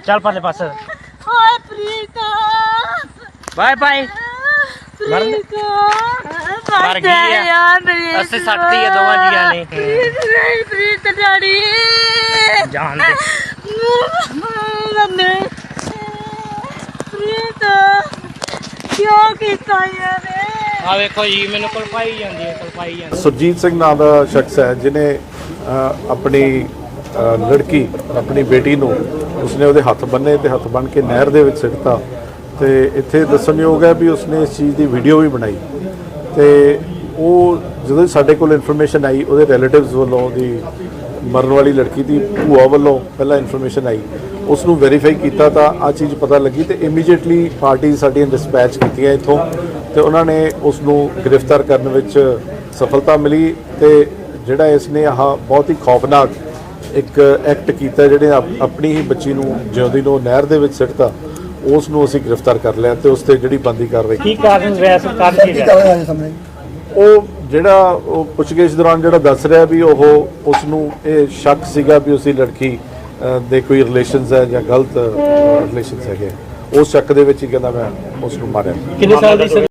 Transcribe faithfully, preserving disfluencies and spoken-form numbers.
चल परले पास hi Preeta bye bye Preeta मर गई है अस्से सटती है दोवां जियां ने प्रीता डैडी जान दे मम्मी प्रीता क्यों कीता यार आ देखो जी मैनू कलपाई जांदी है कलपाई जांदी सुरजीत सिंह नाम का शख्स है जिन्हें अपनी लड़की अपनी बेटी नूं उसने ਉਹਦੇ हथ बन्ने तो हथ बन के नहर ਦੇ ਵਿੱਚ ਸਿੱਟਤਾ ਤੇ ਇੱਥੇ ਦੱਸਣਯੋਗ ਹੈ ਵੀ ਉਸਨੇ ਇਸ ਚੀਜ਼ ਦੀ ਵੀਡੀਓ ਵੀ ਬਣਾਈ ਤੇ ਉਹ ਜਦੋਂ ਸਾਡੇ ਕੋਲ ਇਨਫੋਰਮੇਸ਼ਨ ਆਈ ਉਹਦੇ ਰਿਲੇਟਿਵਸ ਵੱਲੋਂ ਉਹਦੀ ਮਰਨ ਵਾਲੀ ਲੜਕੀ ਦੀ ਭੂਆ ਵੱਲੋਂ ਪਹਿਲਾਂ ਇਨਫੋਰਮੇਸ਼ਨ ਆਈ ਉਸ ਨੂੰ ਵੈਰੀਫਾਈ ਕੀਤਾ ਤਾਂ ਆ ਚੀਜ਼ ਪਤਾ ਲੱਗੀ ਤੇ ਇਮੀਡੀਏਟਲੀ ਪਾਰਟੀ ਸਾਡੀਆਂ ਡਿਸਪੈਚ ਕੀਤੀਆਂ ਇੱਥੋਂ ਤੇ ਉਹਨਾਂ ਨੇ ਉਸ ਨੂੰ ਗ੍ਰਿਫਤਾਰ ਕਰਨ ਵਿੱਚ ਸਫਲਤਾ ਮਿਲੀ ਤੇ ਜਿਹੜਾ ਇਸ ਨੇ ਆਹ ਬਹੁਤ ਹੀ ਖੌਫਨਾਕ ਇੱਕ ਐਕਟ ਕੀਤਾ ਜਿਹੜੇ ਆਪਣੀ ਹੀ ਬੱਚੀ ਨੂੰ ਜਿਉਂਦੀ ਨੂੰ ਨਹਿਰ ਦੇ ਵਿੱਚ ਸਿੱਟਤਾ ਉਸ ਨੂੰ ਅਸੀਂ ਗ੍ਰਿਫਤਾਰ ਕਰ ਲਿਆ ਤੇ ਉਸ ਤੇ ਜਿਹੜੀ ਬੰਦੀ ਕਾਰਵਾਈ ਕੀ ਕਾਰਨ ਰਿਹਾ ਸਰਕਾਰ ਕੀ ਰਿਹਾ ਉਹ ਜਿਹੜਾ ਉਹ ਪੁੱਛਗਿੱਛ ਦੌਰਾਨ ਜਿਹੜਾ ਦੱਸ ਰਿਹਾ ਵੀ ਉਹ ਉਸ ਨੂੰ ਇਹ ਸ਼ੱਕ ਸੀਗਾ ਵੀ ਉਸਦੀ ਲੜਕੀ ਦੇ ਕੋਈ ਰਿਲੇਸ਼ਨਸ ਹੈ ਜਾਂ ਗਲਤ ਰਿਲੇਸ਼ਨਸ ਹੈਗੇ ਉਸ ਸ਼ੱਕ ਦੇ ਵਿੱਚ ਹੀ ਕਹਿੰਦਾ ਮੈਂ ਉਸ ਨੂੰ ਮਾਰਿਆ। ਕਿੰਨੇ ਸਾਲ ਦੀ